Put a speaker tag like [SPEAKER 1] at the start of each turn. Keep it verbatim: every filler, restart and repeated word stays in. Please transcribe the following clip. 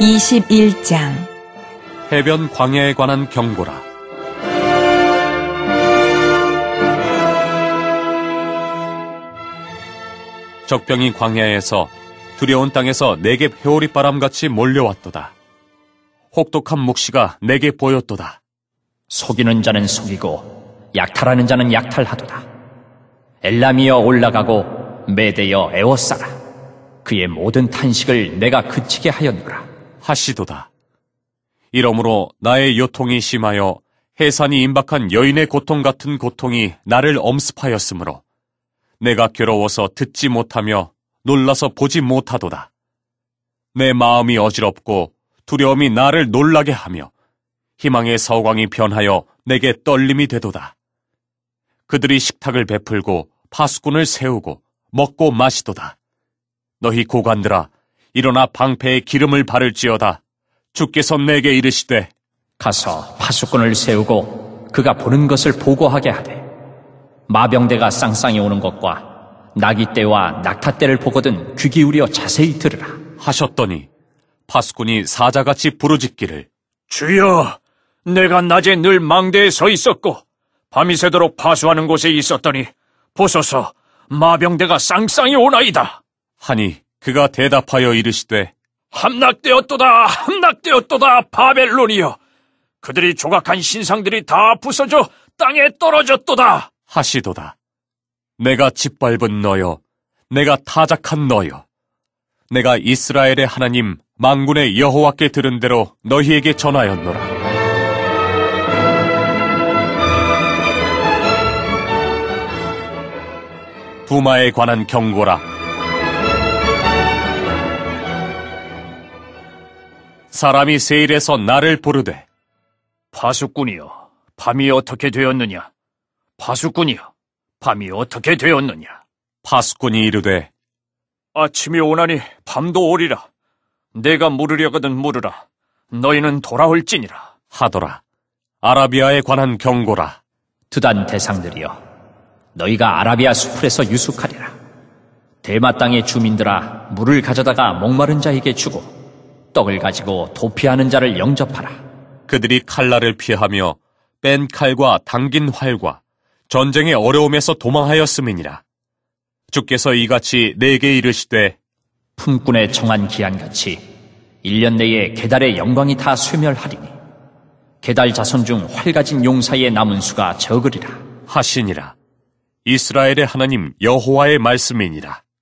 [SPEAKER 1] 이십일 장
[SPEAKER 2] 해변 광야에 관한 경고라. 적병이 광야에서 두려운 땅에서 내게 회오리바람같이 몰려왔도다. 혹독한 묵시가 내게 보였도다.
[SPEAKER 3] 속이는 자는 속이고 약탈하는 자는 약탈하도다. 엘람이여 올라가고 메대여 애워싸라. 그의 모든 탄식을 내가 그치게 하였노라
[SPEAKER 2] 하시도다. 이러므로 나의 요통이 심하여 해산이 임박한 여인의 고통 같은 고통이 나를 엄습하였으므로 내가 괴로워서 듣지 못하며 놀라서 보지 못하도다. 내 마음이 어지럽고 두려움이 나를 놀라게 하며 희망의 서광이 변하여 내게 떨림이 되도다. 그들이 식탁을 베풀고 파수꾼을 세우고 먹고 마시도다. 너희 고관들아, 일어나 방패에 기름을 바를지어다. 주께서 내게 이르시되
[SPEAKER 3] 가서 파수꾼을 세우고 그가 보는 것을 보고하게 하되 마병대가 쌍쌍이 오는 것과 나귀떼와 낙타떼를 보거든 귀 기울여 자세히 들으라
[SPEAKER 2] 하셨더니 파수꾼이 사자같이 부르짖기를
[SPEAKER 4] 주여, 내가 낮에 늘 망대에 서 있었고 밤이 새도록 파수하는 곳에 있었더니 보소서, 마병대가 쌍쌍이 오나이다.
[SPEAKER 2] 하니 그가 대답하여 이르시되
[SPEAKER 4] 함락되었도다, 함락되었도다, 바벨론이여. 그들이 조각한 신상들이 다 부서져 땅에 떨어졌도다
[SPEAKER 2] 하시도다. 내가 짓밟은 너여, 내가 타작한 너여. 내가 이스라엘의 하나님 만군의 여호와께 들은 대로 너희에게 전하였노라. 두마에 관한 경고라. 사람이 세일에서 나를 부르되
[SPEAKER 4] 파수꾼이여, 밤이 어떻게 되었느냐? 파수꾼이여, 밤이 어떻게 되었느냐?
[SPEAKER 2] 파수꾼이 이르되
[SPEAKER 4] 아침이 오나니 밤도 오리라. 내가 물으려거든 물으라. 너희는 돌아올지니라
[SPEAKER 2] 하더라. 아라비아에 관한 경고라.
[SPEAKER 3] 두단 대상들이여, 너희가 아라비아 수풀에서 유숙하리라. 대마 땅의 주민들아, 물을 가져다가 목마른 자에게 주고 떡을 가지고 도피하는 자를 영접하라.
[SPEAKER 2] 그들이 칼날을 피하며 뺀 칼과 당긴 활과 전쟁의 어려움에서 도망하였음이니라. 주께서 이같이 내게 이르시되
[SPEAKER 3] 품꾼의 정한 기한같이 일 년 내에 게달의 영광이 다 쇠멸하리니 게달 자손 중 활 가진 용 사이에 남은 수가 적으리라
[SPEAKER 2] 하시니라. 이스라엘의 하나님 여호와의 말씀이니라.